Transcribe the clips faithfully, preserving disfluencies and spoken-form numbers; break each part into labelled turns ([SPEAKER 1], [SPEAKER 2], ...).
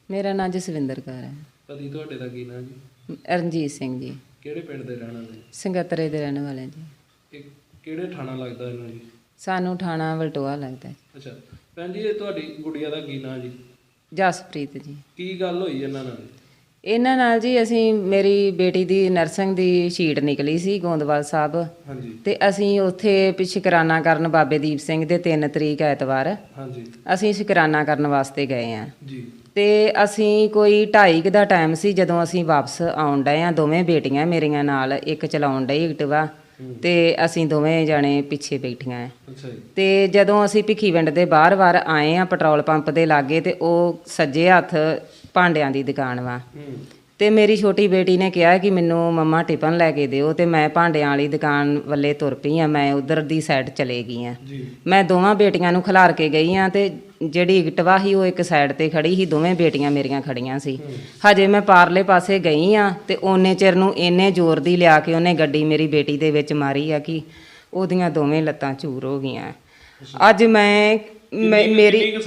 [SPEAKER 1] ਮੇਰਾ ਨਾਂ ਜਸਵਿੰਦਰ ਕੌਰ ਹੈ।
[SPEAKER 2] ਪਤੀ ਤੁਹਾਡੇ ਦਾ ਕੀ ਨਾਂ ਜੀ?
[SPEAKER 1] ਰਣਜੀਤ ਸਿੰਘ ਜੀ।
[SPEAKER 2] ਕਿਹੜੇ ਪਿੰਡ ਦੇ ਰਹਿਣ ਵਾਲੇ?
[SPEAKER 1] ਸੰਗਤਰੇ ਦੇ ਰਹਿਣ ਵਾਲੇ ਜੀ।
[SPEAKER 2] ਇਹ ਕਿਹੜੇ ਥਾਣਾ ਲੱਗਦਾ ਇਹਨੂੰ ਜੀ?
[SPEAKER 1] ਸਾਨੂੰ ਥਾਣਾ ਵਲਟੋਆ ਲੱਗਦਾ ਜੀ।
[SPEAKER 2] ਅੱਛਾ ਭੈਣ ਜੀ, ਇਹ ਤੁਹਾਡੀ ਗੁੜੀਆ ਦਾ ਕੀ ਨਾਂ ਜੀ?
[SPEAKER 1] ਜਸਪ੍ਰੀਤ ਜੀ।
[SPEAKER 2] ਕੀ ਗੱਲ ਹੋਈ ਇਹਨਾਂ ਨਾਲ?
[SPEAKER 1] ਇਹਨਾਂ ਨਾਲ ਜੀ ਅਸੀਂ ਮੇਰੀ ਬੇਟੀ ਦੀ ਨਰਸਿੰਗ ਦੀ ਸ਼ੀਟ ਨਿਕਲੀ ਸੀ ਗੋਂਦਵਾਲ ਸਾਹਿਬ।
[SPEAKER 2] ਹਾਂਜੀ।
[SPEAKER 1] ਤੇ ਅਸੀਂ ਉੱਥੇ ਵੀ ਸ਼ੁਕਰਾਨਾ ਕਰਨ ਬਾਬੇ ਦੀਪ ਸਿੰਘ ਦੇ ਤਿੰਨ ਤਰੀਕ ਐਤਵਾਰ
[SPEAKER 2] ਹਾਂਜੀ
[SPEAKER 1] ਅਸੀਂ ਸ਼ੁਕਰਾਨਾ ਕਰਨ ਵਾਸਤੇ ਗਏ ਹਾਂ
[SPEAKER 2] ਜੀ।
[SPEAKER 1] ਤੇ ਅਸੀਂ ਕੋਈ ਢਾਈ ਕੁ ਦਾ ਟਾਈਮ ਸੀ ਜਦੋਂ ਅਸੀਂ ਵਾਪਸ ਆਉਣ ਡਏ ਹਾਂ। ਦੋਵੇਂ ਬੇਟੀਆਂ ਮੇਰੀਆਂ ਨਾਲ, ਇੱਕ ਚਲਾਉਣ ਡਈ ਐਕਟਿਵਾ ਤੇ ਅਸੀਂ ਦੋਵੇਂ ਜਾਣੇ ਪਿੱਛੇ ਬੈਠੀਆਂ ਹੈ।
[SPEAKER 2] ਅੱਛਾ ਜੀ।
[SPEAKER 1] ਤੇ ਜਦੋਂ ਅਸੀਂ ਭਿੱਖੀਵਿੰਡ ਦੇ ਬਾਹਰ-ਬਾਹਰ ਆਏ ਆ ਪੈਟਰੋਲ ਪੰਪ ਦੇ ਲਾਗੇ, ਤੇ ਉਹ ਸੱਜੇ ਹੱਥ ਭਾਂਡਿਆਂ ਦੀ ਦੁਕਾਨ ਵਾ। ਤੇ ਮੇਰੀ ਛੋਟੀ ਬੇਟੀ ਨੇ ਕਿਹਾ ਕਿ ਮੈਨੂੰ ਮੰਮਾ ਟਿਫਨ ਲੈ ਕੇ ਦਿਓ, ਤੇ ਮੈਂ ਭਾਂਡਿਆਂ ਵਾਲੀ ਦੁਕਾਨ ਵੱਲੇ ਤੁਰ ਪਈ ਆ। ਮੈਂ ਉਧਰ ਦੀ ਸਾਈਡ ਚਲੇ ਗਈ ਆ। ਮੈਂ ਦੋਵਾਂ ਬੇਟੀਆਂ ਨੂੰ ਖਿਲਾਰ ਕੇ ਗਈ ਆ, ਤੇ ਜਿਹੜੀ ਐਕਟਿਵਾ ਸੀ ਉਹ ਇੱਕ ਸਾਈਡ ਤੇ ਖੜੀ ਸੀ, ਦੋਵੇਂ ਬੇਟੀਆਂ ਮੇਰੀਆਂ ਖੜੀਆਂ ਸੀ। ਹਜੇ ਮੈਂ ਪਾਰਲੇ ਪਾਸੇ ਗਈ ਆ ਤੇ ਓਨੇ ਚਿਰ ਨੂੰ ਇੰਨੇ ਜ਼ੋਰ ਦੀ ਲਿਆ ਕੇ ਉਹਨੇ ਗੱਡੀ ਮੇਰੀ ਬੇਟੀ ਦੇ ਵਿੱਚ ਮਾਰੀ ਆ ਕਿ ਉਹਦੀਆਂ ਦੋਵੇਂ ਲੱਤਾਂ ਚੂਰ ਹੋ ਗਈਆਂ। ਅੱਜ ਮੈਂ ਮੇਰੀ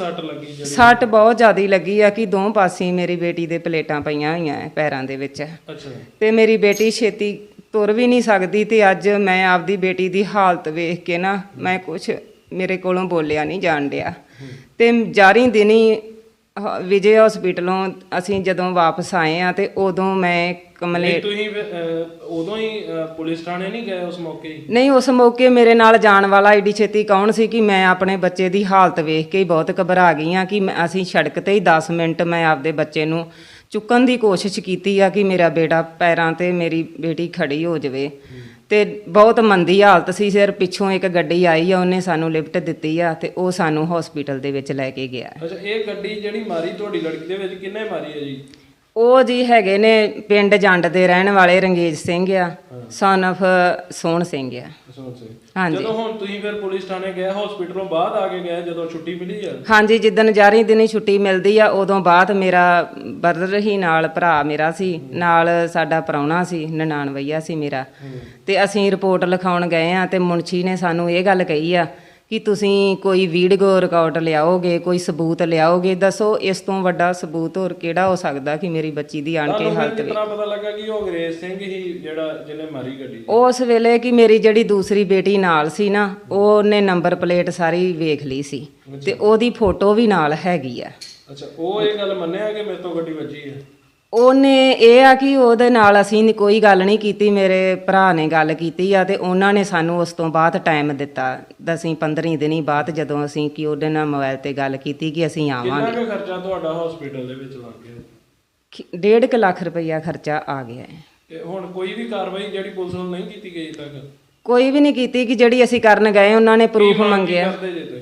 [SPEAKER 1] ਸੱਟ ਬਹੁਤ ਜ਼ਿਆਦਾ ਲੱਗੀ ਆ ਕਿ ਦੋ ਪਾਸੇ ਮੇਰੀ ਬੇਟੀ ਦੇ ਪਲੇਟਾਂ ਪਈਆਂ ਹੋਈਆਂ ਪੈਰਾਂ ਦੇ ਵਿੱਚ। ਤੇ ਮੇਰੀ ਬੇਟੀ ਛੇਤੀ ਤੁਰ ਵੀ ਨਹੀਂ ਸਕਦੀ। ਤੇ ਅੱਜ ਮੈਂ ਆਪਦੀ ਬੇਟੀ ਦੀ ਹਾਲਤ ਵੇਖ ਕੇ ਨਾ, ਮੈਂ ਕੁਛ ਮੇਰੇ ਕੋਲੋਂ ਬੋਲਿਆ ਨਹੀਂ ਜਾਣ ਡਿਆ। ਤੇ ਜਾਰੀ ਦਿਨੀ ਵਿਜੇ ਹਸਪੀਟਲੋਂ ਅਸੀਂ ਜਦੋਂ ਵਾਪਸ ਆਏ ਆ ਤੇ ਉਦੋਂ ਮੈਂ ਕਮਲੇ
[SPEAKER 2] ਤੁਸੀਂ ਉਦੋਂ ਹੀ ਪੁਲਿਸ ਥਾਣੇ ਨਹੀਂ ਗਏ ਉਸ ਮੌਕੇ?
[SPEAKER 1] ਨਹੀਂ, ਉਸ ਮੌਕੇ ਮੇਰੇ ਨਾਲ ਜਾਣ ਵਾਲਾ ਏਡੀ ਛੇਤੀ ਕੌਣ ਸੀ ਕਿ ਮੈਂ ਆਪਣੇ ਬੱਚੇ ਦੀ ਹਾਲਤ ਵੇਖ ਕੇ ਹੀ ਬਹੁਤ ਘਬਰਾ ਗਈ ਆ ਕਿ ਅਸੀਂ ਸੜਕ ਤੇ ਹੀ ਦਸ ਮਿੰਟ ਮੈਂ ਆਪਦੇ ਬੱਚੇ ਨੂੰ ਚੁੱਕਣ ਦੀ ਕੋਸ਼ਿਸ਼ ਕੀਤੀ ਆ ਕਿ ਮੇਰਾ ਬੇਟਾ ਪੈਰਾਂ ਤੇ ਮੇਰੀ ਬੇਟੀ ਖੜੀ ਹੋ ਜਾਵੇ। ਤੇ ਬਹੁਤ ਮੰਦੀ ਹਾਲਤ ਸੀ। ਫਿਰ ਪਿੱਛੋਂ ਇੱਕ ਗੱਡੀ ਆਈ ਆ, ਉਹਨੇ ਸਾਨੂੰ ਲਿਫਟ ਦਿੱਤੀ ਆ ਤੇ ਉਹ ਸਾਨੂੰ ਹਸਪੀਟਲ ਦੇ ਵਿੱਚ ਲੈ ਕੇ ਗਿਆ।
[SPEAKER 2] ਅੱਛਾ, ਇਹ ਗੱਡੀ ਜਿਹੜੀ ਮਾਰੀ ਤੁਹਾਡੀ ਲੜਕੀ ਦੇ ਵਿੱਚ ਕਿੰਨੇ ਮਾਰੀ ਹੈ ਜੀ?
[SPEAKER 1] ਉਹ ਜੀ ਹੈਗੇ ਨੇ ਪਿੰਡ ਜੰਡ ਦੇ ਰਹਿਣ ਵਾਲੇ ਰੰਗੇਜ ਸਿੰਘ ਆ, ਸਨ ਆਫ ਸੋਹਣ ਸਿੰਘ ਆ। ਹਾਂਜੀ।
[SPEAKER 2] ਜਦੋਂ ਹੁਣ ਤੁਸੀਂ ਫਿਰ ਪੁਲਿਸ ਥਾਣੇ ਗਏ, ਹਸਪੀਟਲੋਂ ਬਾਅਦ ਆ ਕੇ ਗਏ ਜਦੋਂ ਛੁੱਟੀ ਮਿਲੀ ਆ?
[SPEAKER 1] ਹਾਂਜੀ, ਜਿੱਦਣ ਜਾਰੀ ਦਿਨੀ ਛੁੱਟੀ ਮਿਲਦੀ ਆ ਉਦੋਂ ਬਾਅਦ ਮੇਰਾ ਬਰਦਰ ਹੀ ਨਾਲ, ਭਰਾ ਮੇਰਾ ਸੀ ਨਾਲ, ਸਾਡਾ ਪ੍ਰਾਹੁਣਾ ਸੀ, ਨਨਾਣਵਈਆ ਸੀ ਮੇਰਾ। ਤੇ ਅਸੀਂ ਰਿਪੋਰਟ ਲਿਖਾਉਣ ਗਏ ਆ ਤੇ ਮੁਨਸ਼ੀ ਨੇ ਸਾਨੂੰ ਇਹ ਗੱਲ ਕਹੀ ਆ ਕਿ ਤੁਸੀਂ ਕੋਈ ਵੀਡੀਓ ਰਿਕਾਰਡ ਲਿਆਓਗੇ, ਕੋਈ ਸਬੂਤ ਲਿਆਓਗੇ। ਦੱਸੋ ਇਸ ਤੋਂ ਵੱਡਾ ਸਬੂਤ ਹੋਰ ਕਿਹੜਾ ਹੋ ਸਕਦਾ ਕਿ ਮੇਰੀ ਬੱਚੀ ਦੀ ਆਣ ਕੇ ਹਾਲਤ
[SPEAKER 2] ਕਿਤਨਾ ਪਤਾ ਲੱਗਾ ਕਿ ਉਹ ਅੰਗਰੇਜ਼ ਸਿੰਘ ਹੀ ਜਿਹੜਾ ਜਿਹਨੇ ਮਾਰੀ ਗੱਡੀ?
[SPEAKER 1] ਉਸ ਵੇਲੇ ਕਿ ਮੇਰੀ ਜਿਹੜੀ ਦੂਸਰੀ ਬੇਟੀ ਨਾਲ ਸੀ ਨਾ, ਉਹਨੇ ਨੰਬਰ ਪਲੇਟ ਸਾਰੀ ਵੇਖ ਲਈ ਸੀ ਤੇ ਉਹਦੀ ਫੋਟੋ ਵੀ ਨਾਲ ਹੈਗੀ ਆ।
[SPEAKER 2] ਅੱਛਾ, ਉਹ ਇਹ ਗੱਲ ਮੰਨਿਆ ਕਿ ਮੇਰੇ ਤੋਂ ਗੱਡੀ ਵੱਜੀ ਹੈ?
[SPEAKER 1] ਉਹਨੇ ਇਹ ਆ ਕਿ ਉਹਦੇ ਨਾਲ ਅਸੀਂ ਕੋਈ ਗੱਲ ਨਹੀਂ ਕੀਤੀ, ਮੇਰੇ ਭਰਾ ਨੇ ਗੱਲ ਕੀਤੀ ਆ ਤੇ ਉਹਨਾਂ ਨੇ ਸਾਨੂੰ ਉਸ ਤੋਂ ਬਾਅਦ ਟਾਈਮ ਦਿੱਤਾ ਦਸੀਂ ਪੰਦਰਾਂ ਦਿਨੀ ਬਾਅਦ, ਜਦੋਂ ਅਸੀਂ ਕਿ ਉਹਦੇ ਨਾਲ ਮੋਬਾਈਲ ਤੇ ਗੱਲ ਕੀਤੀ ਕਿ ਅਸੀਂ ਆਵਾਂਗੇ।
[SPEAKER 2] ਕਿੰਨਾ ਕੁ ਖਰਚਾ ਤੁਹਾਡਾ ਹਸਪੀਟਲ ਦੇ ਵਿੱਚ ਲੱਗ ਗਿਆ?
[SPEAKER 1] ਡੇਢ ਕੁ ਲੱਖ ਰੁਪਈਆ ਖਰਚਾ ਆ ਗਿਆ ਹੈ।
[SPEAKER 2] ਤੇ ਹੁਣ ਕੋਈ ਵੀ ਕਾਰਵਾਈ ਜਿਹੜੀ ਪੁਲਿਸ ਵੱਲੋਂ ਨਹੀਂ ਕੀਤੀ ਗਈ ਤੱਕ?
[SPEAKER 1] ਕੋਈ ਵੀ ਨਹੀਂ ਕੀਤੀ ਕਿ ਜਿਹੜੀ ਅਸੀਂ ਕਰਨ ਗਏ ਉਹਨਾਂ ਨੇ ਪ੍ਰੂਫ ਮੰਗਿਆ।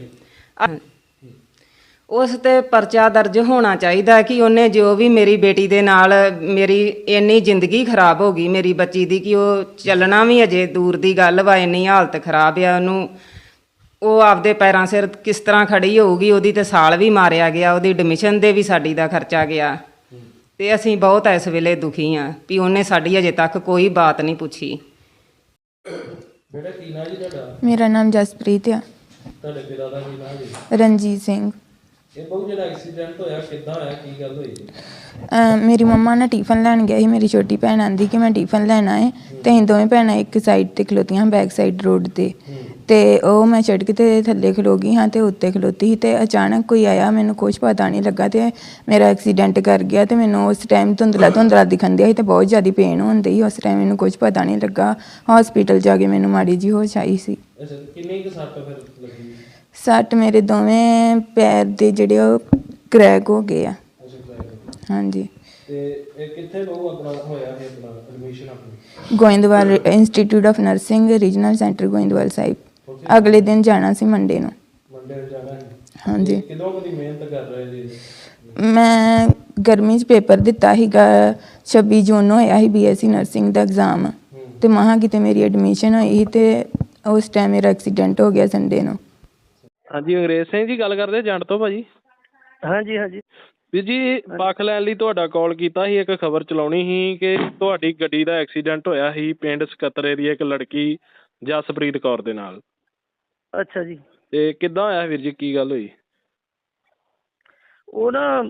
[SPEAKER 1] ਉਸ ਤੇ ਪਰਚਾ ਦਰਜ ਹੋਣਾ ਚਾਹੀਦਾ ਕਿ ਉਹਨੇ ਜੋ ਵੀ ਮੇਰੀ ਬੇਟੀ ਦੇ ਨਾਲ, ਮੇਰੀ ਇੰਨੀ ਜ਼ਿੰਦਗੀ ਖਰਾਬ ਹੋ ਗਈ ਮੇਰੀ ਬੱਚੀ ਦੀ ਕਿ ਉਹ ਚੱਲਣਾ ਵੀ ਅਜੇ ਦੂਰ ਦੀ ਗੱਲ ਵਾ, ਇੰਨੀ ਹਾਲਤ ਖਰਾਬ ਆ ਉਹਨੂੰ। ਉਹ ਆਪਦੇ ਪੈਰਾਂ ਸਿਰ ਕਿਸ ਤਰ੍ਹਾਂ ਖੜੀ ਹੋਊਗੀ? ਉਹਦੀ ਤੇ ਸਾਲ ਵੀ ਮਾਰਿਆ ਗਿਆ, ਉਹਦੀ ਐਡਮਿਸ਼ਨ ਦੇ ਵੀ ਸਾਡੀ ਦਾ ਖਰਚਾ ਗਿਆ। ਤੇ ਅਸੀਂ ਬਹੁਤ ਇਸ ਵੇਲੇ ਦੁਖੀ ਆ ਵੀ ਉਹਨੇ ਸਾਡੀ ਅਜੇ ਤੱਕ ਕੋਈ ਬਾਤ ਨਹੀਂ ਪੁੱਛੀ।
[SPEAKER 2] ਬੇਟਾ ਕੀ ਨਾਂ ਜੀ ਤੁਹਾਡਾ?
[SPEAKER 3] ਮੇਰਾ ਨਾਮ ਜਸਪ੍ਰੀਤ ਆ।
[SPEAKER 2] ਤੁਹਾਡੇ ਪਿਤਾ ਦਾ ਕੀ ਨਾਂ ਜੀ?
[SPEAKER 3] ਰਣਜੀਤ ਸਿੰਘ।
[SPEAKER 2] ਇਹ ਬਹੁਤ ਜਿਹੜਾ ਐਕਸੀਡੈਂਟ ਹੋਇਆ ਕਿੱਦਾਂ ਹੋਇਆ, ਕੀ ਗੱਲ ਹੋਈ?
[SPEAKER 3] ਮੇਰੀ ਮੰਮਾ ਨਾ ਟਿਫਨ ਲੈਣ ਗਿਆ ਸੀ। ਮੇਰੀ ਛੋਟੀ ਭੈਣ ਆਂਦੀ ਕਿ ਮੈਂ ਟਿਫਨ ਲੈਣਾ ਹੈ ਤੇ ਅਸੀਂ ਦੋਵੇਂ ਭੈਣਾਂ ਇੱਕ ਸਾਈਡ ਤੇ ਖਲੋਤੀਆਂ, ਬੈਕ ਸਾਈਡ ਰੋਡ ਤੇ। ਤੇ ਉਹ ਮੈਂ ਸੜਕ ਤੇ ਥੱਲੇ ਖਲੋ ਗਈ ਹਾਂ ਤੇ ਉੱਤੇ ਖਲੋਤੀ ਸੀ ਤੇ ਅਚਾਨਕ ਕੋਈ ਆਇਆ, ਮੈਨੂੰ ਕੁਛ ਪਤਾ ਨਹੀਂ ਲੱਗਾ ਤੇ ਮੇਰਾ ਐਕਸੀਡੈਂਟ ਕਰ ਗਿਆ। ਤੇ ਮੈਨੂੰ ਉਸ ਟਾਈਮ ਧੁੰਦਲਾ ਧੁੰਦਲਾ ਦਿਖਣ ਦਿਆ ਸੀ ਤੇ ਬਹੁਤ ਜ਼ਿਆਦਾ ਪੇਨ ਹੁੰਦੀ ਸੀ। ਉਸ ਟਾਈਮ ਮੈਨੂੰ ਕੁਛ ਪਤਾ ਨਹੀਂ ਲੱਗਾ। ਹਸਪੀਟਲ ਜਾ ਕੇ ਮੈਨੂੰ ਮਾੜੀ ਜਿਹੀ ਹੋਸ਼ ਆਈ ਸੀ।
[SPEAKER 2] ਅੱਛਾ, ਕਿੰਨੀ ਕੁ ਸੱਟ ਫਿਰ ਲੱਗੀ?
[SPEAKER 3] ਸੱਟ ਮੇਰੇ ਦੋਵੇਂ ਪੈਰ ਦੇ ਜਿਹੜੇ ਉਹ ਕਰੈਕ ਹੋ ਗਏ ਆ। ਹਾਂਜੀ।
[SPEAKER 2] ਤੇ ਇਹ ਕਿੱਥੇ ਲੋਕ ਆਪਣਾ ਹੋਇਆ ਹੈ ਆਪਣਾ ਐਡਮਿਸ਼ਨ ਆਪਣੀ?
[SPEAKER 3] Goindwal institute of nursing regional centre Goindwal Sahib. ਅਗਲੇ ਦਿਨ ਜਾਣਾ ਸੀ, ਮੰਡੇ ਨੂੰ।
[SPEAKER 2] ਮੰਡੇ ਨੂੰ ਜਾਣਾ ਹੈ? ਹਾਂਜੀ। ਕਿਦੋਂ ਕਦੀ ਮਿਹਨਤ ਕਰ ਰਹੇ ਜੀ?
[SPEAKER 3] ਮੈਂ ਗਰਮੀ 'ਚ ਪੇਪਰ ਦਿੱਤਾ ਸੀਗਾ, ਛੱਬੀ ਜੂਨ ਨੂੰ ਹੋਇਆ ਸੀ ਬੀ ਐਸ ਸੀ ਨਰਸਿੰਗ ਦਾ ਐਗਜ਼ਾਮ। ਤੇ ਮਹਾਂ ਕਿਤੇ ਮੇਰੀ ਐਡਮਿਸ਼ਨ ਹੋਈ ਸੀ ਤੇ ਉਸ ਟਾਈਮ ਮੇਰਾ ਐਕਸੀਡੈਂਟ ਹੋ ਗਿਆ ਸੰਡੇ ਨੂੰ।
[SPEAKER 2] ਹਾਂਜੀ, ਅੰਗਰੇਜ਼ ਸਿੰਘ ਜੀ ਗੱਲ ਕਰਦੇ ਜੰਡ ਤੋਂ ਭਾਜੀ?
[SPEAKER 4] ਹਾਂਜੀ ਹਾਂਜੀ
[SPEAKER 2] ਵੀਰ ਜੀ, ਪੱਖ ਲੈਣ ਲਈ ਤੁਹਾਡਾ ਕਾਲ ਕੀਤਾ ਸੀ। ਇੱਕ ਖਬਰ ਚਲਾਉਣੀ ਸੀ ਕਿ ਤੁਹਾਡੀ ਗੱਡੀ ਦਾ ਐਕਸੀਡੈਂਟ ਹੋਇਆ ਸੀ ਪਿੰਡ ਸਕੱਤਰੇ ਦੀ ਇੱਕ ਲੜਕੀ ਜਸਪ੍ਰੀਤ ਕੌਰ ਦੇ ਨਾਲ।
[SPEAKER 4] ਅੱਛਾ ਜੀ।
[SPEAKER 2] ਤੇ ਕਿੱਦਾਂ ਹੋਇਆ ਵੀਰ ਜੀ, ਕੀ ਗੱਲ ਹੋਈ?
[SPEAKER 4] ਉਹ ਨਾ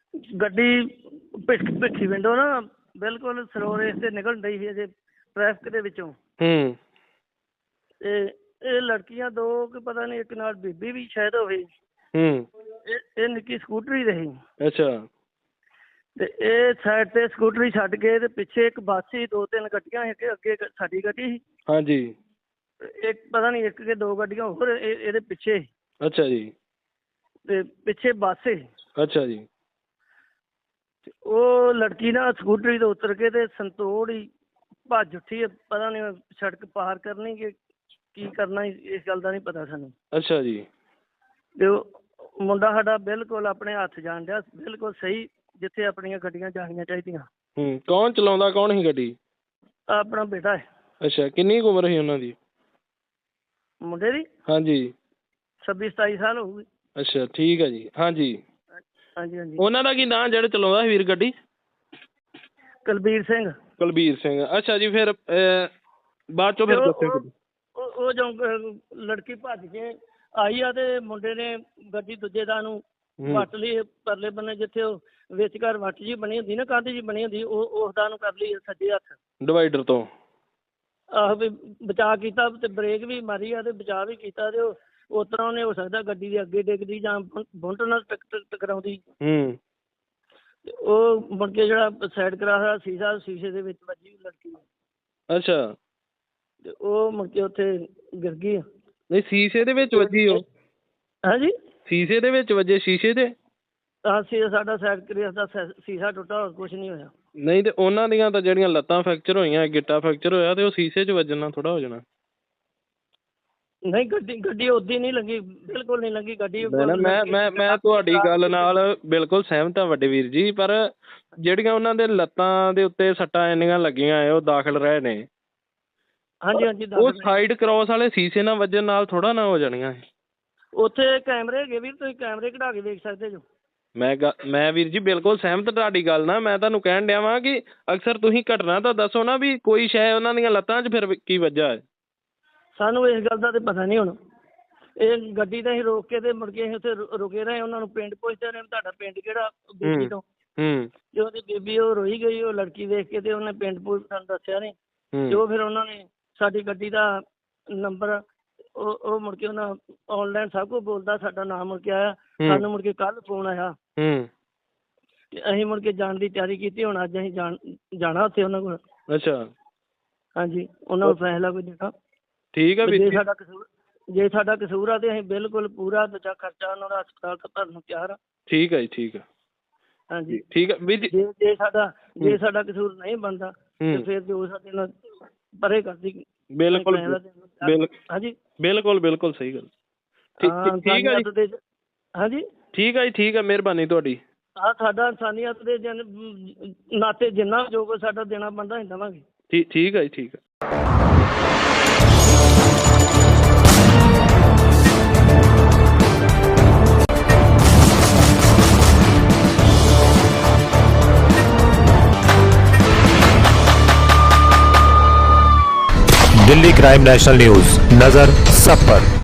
[SPEAKER 4] ਗੱਡੀ ਪਿੱਛ ਪਿੱਛੀ ਵਿੰਡੋ ਨਾ ਬਿਲਕੁਲ ਸਲੋ ਰੇਸ ਤੇ ਨਿਕਲਣ ਡਈ ਸੀ ਅਜੇ ਟ੍ਰੈਫਿਕ ਦੇ ਵਿੱਚੋਂ।
[SPEAKER 2] ਹੂੰ
[SPEAKER 4] ਤੇ ਇਹ ਲੜਕੀਆਂ ਦੋ ਕਿ ਪਤਾ ਨਹੀਂ, ਇੱਕ ਨਾਲ ਬੀਬੀ ਵੀ ਸ਼ਾਇਦ ਹੋਵੇ।
[SPEAKER 2] ਹੂੰ
[SPEAKER 4] ਇਹ ਇਹ ਨਿੱਕੀ ਸਕੂਟਰੀ ਰਹੀ
[SPEAKER 2] ਅੱਛਾ
[SPEAKER 4] ਤੇ ਇਹ ਸਾਈਡ ਤੇ ਸਕੂਟਰੀ ਛੱਡ ਕੇ ਤੇ ਪਿੱਛੇ ਇੱਕ ਬੱਸ ਸੀ, ਦੋ ਤਿੰਨ ਗੱਡੀਆਂ ਸੀ, ਅੱਗੇ ਅੱਗੇ ਇੱਕ ਸਾਡੀ ਗੱਡੀ ਸੀ,
[SPEAKER 2] ਹਾਂਜੀ
[SPEAKER 4] ਇੱਕ ਪਤਾ ਨਹੀਂ ਇੱਕ ਕਿ ਦੋ ਗੱਡੀਆਂ ਹੋਰ ਇਹ ਇਹਦੇ ਪਿੱਛੇ,
[SPEAKER 2] ਅੱਛਾ ਜੀ
[SPEAKER 4] ਤੇ ਪਿੱਛੇ ਬੱਸ ਸੀ।
[SPEAKER 2] ਅੱਛਾ ਜੀ
[SPEAKER 4] ਤੇ ਉਹ ਲੜਕੀ ਨਾ ਸਕੂਟਰੀ ਤੋਂ ਉਤਰ ਕੇ ਤੇ ਸੰਤੋੜ ਹੀ ਭੱਜ ਉੱਠੀ ਹੈ। ਪਤਾ ਨਹੀਂ ਸੜਕ ਪਾਰ ਕਰਨੀ ਕਿ ਕੀ ਕਰਨਾ, ਇਸ ਗੱਲ ਦਾ ਨਹੀਂ ਪਤਾ ਸਾਨੂੰ।
[SPEAKER 2] ਅੱਛਾ ਜੀ
[SPEAKER 4] ਤੇ ਉਹ ਮੁੰਡਾ ਸਾਡਾ ਬਿਲਕੁਲ ਆਪਣੇ ਹੱਥ ਜਾਣ ਡਿਆ, ਬਿਲਕੁਲ ਸਹੀ ਜਿੱਥੇ ਆਪਣੀਆਂ ਗੱਡੀਆਂ ਜਾਣੀਆਂ ਚਾਹੀਦੀਆਂ।
[SPEAKER 2] ਹੂੰ ਕੌਣ ਚਲਾਉਂਦਾ, ਕੌਣ ਸੀ ਗੱਡੀ?
[SPEAKER 4] ਆਪਣਾ ਬੇਟਾ ਹੈ।
[SPEAKER 2] ਅੱਛਾ ਕਿੰਨੀ ਕੁ ਉਮਰ ਸੀ ਉਹਨਾਂ ਦੀ?
[SPEAKER 4] ਮੁੰਡੇ ਦੀ
[SPEAKER 2] ਹਾਂਜੀ
[SPEAKER 4] ਛੱਬੀ ਸਤਾਈ ਸਾਲ ਹੋਊਗੀ।
[SPEAKER 2] ਅੱਛਾ ਠੀਕ ਹੈ ਜੀ। ਹਾਂਜੀ
[SPEAKER 4] ਹਾਂਜੀ ਹਾਂਜੀ।
[SPEAKER 2] ਉਹਨਾਂ ਦਾ ਕੀ ਨਾਂ ਜਿਹੜਾ ਚਲਾਉਂਦਾ ਸੀ ਵੀਰ ਗੱਡੀ?
[SPEAKER 4] ਕੁਲਬੀਰ ਸਿੰਘ।
[SPEAKER 2] ਕੁਲਬੀਰ ਸਿੰਘ। ਅੱਛਾ ਜੀ ਫਿਰ ਅਹ, ਬਾਅਦ ਚੋਂ ਫਿਰ
[SPEAKER 4] ਤੇ ਉਹ-
[SPEAKER 2] ਦੱਸਿਓ
[SPEAKER 4] ਉਹ-
[SPEAKER 2] ਕਦੋਂ।
[SPEAKER 4] ਉਹ ਉਹ ਜੋ ਅਹ, ਲੜਕੀ ਭੱਜ ਕੇ ਆਈ ਆ ਤੇ ਮੁੰਡੇ ਨੇ ਗੱਡੀ ਦੂਜੇ ਦਾ ਨੂੰ
[SPEAKER 2] ਹੂੰ।
[SPEAKER 4] ਵੱਟ ਲਈ ਪਰਲੇ ਬੰਨੇ, ਜਿੱਥੇ ਉਹ ਵਿਚਕਾਰ ਵੱਟ ਜੀ ਬਣੀ ਹੁੰਦੀ ਨਾ, ਕੰਧ ਜੀ ਬਣੀ ਹੁੰਦੀ, ਉਹ ਉਸ ਦਾ ਨੂੰ ਕਰ ਲਈ ਸੱਜੇ ਹੱਥ।
[SPEAKER 2] ਡਿਵਾਈਡਰ ਤੋਂ।
[SPEAKER 4] ਆਹੋ ਵੀ ਬਚਾਅ ਕੀਤਾ ਤੇ ਬ੍ਰੇਕ ਵੀ ਮਾਰੀ ਆ ਤੇ ਬਚਾਅ ਵੀ ਕੀਤਾ ਤੇ ਉਹ ਉਸ ਤਰ੍ਹਾਂ ਉਹਨੇ ਹੋ ਸਕਦਾ ਗੱਡੀ ਦੇ ਅੱਗੇ ਡਿੱਗਦੀ ਜਾਂ ਬੁੰਟ ਨਾਲ ਟਕ ਟਕ ਟਕਰਾਉਂਦੀ।
[SPEAKER 2] ਹੂੰ
[SPEAKER 4] ਤੇ ਉਹ ਮੁੜ ਕੇ ਜਿਹੜਾ ਸਾਈਡ ਕਰਾ ਹੋਇਆ ਸ਼ੀਸ਼ਾ, ਸ਼ੀਸ਼ੇ ਦੇ ਵਿੱਚ ਵੱਜੀ ਲੜਕੀ।
[SPEAKER 2] ਅੱਛਾ
[SPEAKER 4] ਤੇ ਉਹ ਮੁੜ ਕੇ ਉੱਥੇ ਗਿਰ ਗਈ।
[SPEAKER 2] ਨਹੀਂ ਸ਼ੀਸ਼ੇ ਦੇ ਵਿੱਚ ਵੱਜੀ ਉਹ?
[SPEAKER 4] ਹਾਂਜੀ
[SPEAKER 2] ਸ਼ੀਸ਼ੇ ਦੇ ਵਿੱਚ ਵੱਜੇ? ਸ਼ੀਸ਼ੇ ਤੇ?
[SPEAKER 4] ਹਾਂ ਸ਼ੀਸ਼ਾ ਸਾਡਾ ਸਾਈਡ ਕਰੀਅਰ ਦਾ ਸ਼ੈ- ਸ਼ੀਸ਼ਾ ਟੁੱਟਾ, ਹੋਰ ਕੁਝ ਨਹੀਂ ਹੋਇਆ।
[SPEAKER 2] ਨਹੀਂ ਤੇ ਉਹਨਾਂ ਦੀਆਂ ਤਾਂ ਜਿਹੜੀਆਂ ਲੱਤਾਂ ਫ੍ਰੈਕਚਰ ਹੋਈਆਂ, ਗਿੱਟਾ ਫ੍ਰੈਕਚਰ ਹੋਇਆ, ਤੇ ਉਹ ਸ਼ੀਸ਼ੇ 'ਚ ਵੱਜਣ ਨਾਲ ਥੋੜਾ ਹੋ ਜਾਣਾ।
[SPEAKER 4] ਨਹੀਂ ਗੱਡੀ ਗੱਡੀ ਉੱਦੀ ਨਹੀਂ ਲੱਗੀ, ਬਿਲਕੁਲ ਨਹੀਂ ਲੱਗੀ ਗੱਡੀ।
[SPEAKER 2] ਮੈਂ ਨਾ ਮੈਂ ਮੈਂ ਮੈਂ ਤੁਹਾਡੀ ਗੱਲ ਨਾਲ ਬਿਲਕੁਲ ਸਹਿਮਤ ਹਾਂ ਵੱਡੇ ਵੀਰ ਜੀ, ਪਰ ਜਿਹੜੀਆਂ ਉਹਨਾਂ ਦੇ ਲੱਤਾਂ ਦੇ ਉੱਤੇ ਸੱਟਾਂ ਇੰਨੀਆਂ ਲੱਗੀਆਂ ਹੈ, ਉਹ ਦਾਖਲ ਰਹੇ ਨੇ।
[SPEAKER 4] ਹਾਂਜੀ ਹਾਂਜੀ
[SPEAKER 2] ਉਹ
[SPEAKER 4] ਦੱਸ ਦਿਓ।
[SPEAKER 2] ਸਾਈਡ ਕ੍ਰੋਸ ਵਾਲੇ ਸ਼ੀਸ਼ੇ ਨਾਲ ਵੱਜਣ ਨਾਲ ਥੋੜਾ ਨਾ ਹੋ ਜਾਣੀਆਂ।
[SPEAKER 4] ਉੱਥੇ ਕੈਮਰੇ ਹੈਗੇ ਵੀਰ, ਤੁਸੀਂ ਕੈਮਰੇ ਕਢਾ ਕੇ ਵੇਖ ਸਕਦੇ ਜੋ।
[SPEAKER 2] ਮੈਂ ਗ ਮੈਂ ਵੀਰ ਜੀ ਬਿਲਕੁਲ ਸਹਿਮਤ ਤੁਹਾਡੀ ਗੱਲ ਨਾਲ। ਮੈਂ ਤੁਹਾਨੂੰ ਕਹਿਣ ਡਿਆ ਵਾਂ ਕਿ ਅਕਸਰ ਤੁਸੀਂ ਘਟਨਾ ਤਾਂ ਦੱਸੋ ਨਾ ਵੀ ਕੋਈ ਸ਼ੈ ਉਹਨਾਂ ਦੀਆਂ ਲੱਤਾਂ 'ਚ ਫਿਰ ਕੀ ਵੱਜਾ ਹੈ।
[SPEAKER 4] ਸਾਨੂੰ ਇਸ ਗੱਲ ਦਾ ਤੇ ਪਤਾ ਨਹੀਂ ਹੁਣ। ਇਹ ਗੱਡੀ ਤਾਂ ਅਸੀਂ ਰੋਕ ਕੇ ਤੇ ਮੁੜ ਕੇ ਅਸੀਂ ਉੱਥੇ ਰੁ- ਰੁਕੇ ਰਹੇ, ਉਹਨਾਂ ਨੂੰ ਪਿੰਡ ਪੁੱਛਦੇ ਰਹੇ ਤੁਹਾਡਾ ਪਿੰਡ ਕਿਹੜਾ ਬੀਬੀ ਤੋਂ।
[SPEAKER 2] ਹੂੰ
[SPEAKER 4] ਤੇ ਉਹਦੀ ਬੀਬੀ ਉਹ ਰੋਈ ਗਈ, ਉਹ ਲੜਕੀ ਦੇਖ ਕੇ, ਤੇ ਉਹਨੇ ਪਿੰਡ ਪੁੱਛ ਸਾਨੂੰ ਦੱਸਿਆ ਨਹੀਂ। ਤੇ
[SPEAKER 2] ਹੂੰ
[SPEAKER 4] ਉਹ ਫਿਰ ਉਹਨਾਂ ਨੇ ਸਾਡੀ ਗੱਡੀ ਦਾ ਨੰਬਰ ਉਹ ਉਹ ਮੁੜ ਕੇ ਉਹਨਾਂ ਆਨਲਾਈਨ ਸਭ ਕੁਝ ਬੋਲਦਾ, ਸਾਡਾ ਨਾਮ ਮੁੜ ਕੇ ਆਇਆ। ਸਾਨੂੰ ਮੁੜ ਕੇ ਕੱਲ੍ਹ ਫੋਨ ਆਇਆ
[SPEAKER 2] ਹੂੰ
[SPEAKER 4] ਤੇ ਅਸੀਂ ਮੁੜ ਕੇ ਜਾਣ ਦੀ ਤਿਆਰੀ ਕੀਤੀ। ਹੁਣ ਅੱਜ ਅਸੀਂ ਜਾਣ ਜਾਣਾ ਉੱਥੇ ਉਹਨਾਂ ਕੋਲ।
[SPEAKER 2] ਅੱਛਾ
[SPEAKER 4] ਹਾਂਜੀ ਉਹਨਾਂ ਨੂੰ ਫੈਸਲਾ ਕੋਈ ਦੇਣਾ।
[SPEAKER 2] ਠੀਕ ਹੈ ਵੀਰ
[SPEAKER 4] ਜੇ
[SPEAKER 2] ਜੀ।
[SPEAKER 4] ਸਾਡਾ ਕਸੂਰ ਜੇ ਸਾਡਾ ਕਸੂਰ ਆ ਤੇ ਅਸੀਂ ਬਿਲਕੁਲ ਪੂਰਾ ਦੂਜਾ ਖਰਚਾ ਉਹਨਾਂ ਦਾ ਹਸਪਤਾਲ ਦਾ ਭਰਨ ਨੂੰ ਤਿਆਰ ਆ।
[SPEAKER 2] ਠੀਕ ਹੈ ਜੀ ਠੀਕ ਹੈ
[SPEAKER 4] ਹਾਂਜੀ
[SPEAKER 2] ਠੀਕ ਹੈ ਵੀਰ ਜੀ।
[SPEAKER 4] ਜੇ ਜੇ ਸਾਡਾ ਜੇ ਸਾਡਾ ਕਸੂਰ ਨਹੀਂ ਬਣਦਾ ਤੇ
[SPEAKER 2] ਹੂੰ
[SPEAKER 4] ਫਿਰ ਜੋ ਸਾਡੇ ਨਾਲ ਪਰੇ ਕਰਦੀ।
[SPEAKER 2] ਬਿਲਕੁਲ ਬਿਲ
[SPEAKER 4] ਹਾਂਜੀ
[SPEAKER 2] ਬਿਲਕੁਲ ਬਿਲਕੁਲ ਸਹੀ ਗੱਲ। ਠੀਕ
[SPEAKER 4] ਹਾਂ,
[SPEAKER 2] ਠੀਕ ਹੈ ਜੀ।
[SPEAKER 4] ਇਨਸਾਨੀਅਤ ਦੇ ਹਾਂਜੀ
[SPEAKER 2] ਠੀਕ ਹੈ ਜੀ ਠੀਕ ਹੈ, ਮਿਹਰਬਾਨੀ ਤੁਹਾਡੀ।
[SPEAKER 4] ਹਾਂ ਸਾਡਾ ਇਨਸਾਨੀਅਤ ਦੇ ਜਨ ਨਾਤੇ ਜਿੰਨਾ ਜੋ ਕੁਛ ਸਾਡਾ ਦੇਣਾ ਬਣਦਾ ਅਸੀਂ ਦੇਵਾਂਗੇ।
[SPEAKER 2] ਠੀਕ ਠੀਕ ਹੈ ਜੀ ਠੀਕ ਹੈ।
[SPEAKER 5] दिल्ली क्राइम नेशनल न्यूज, नजर सब पर।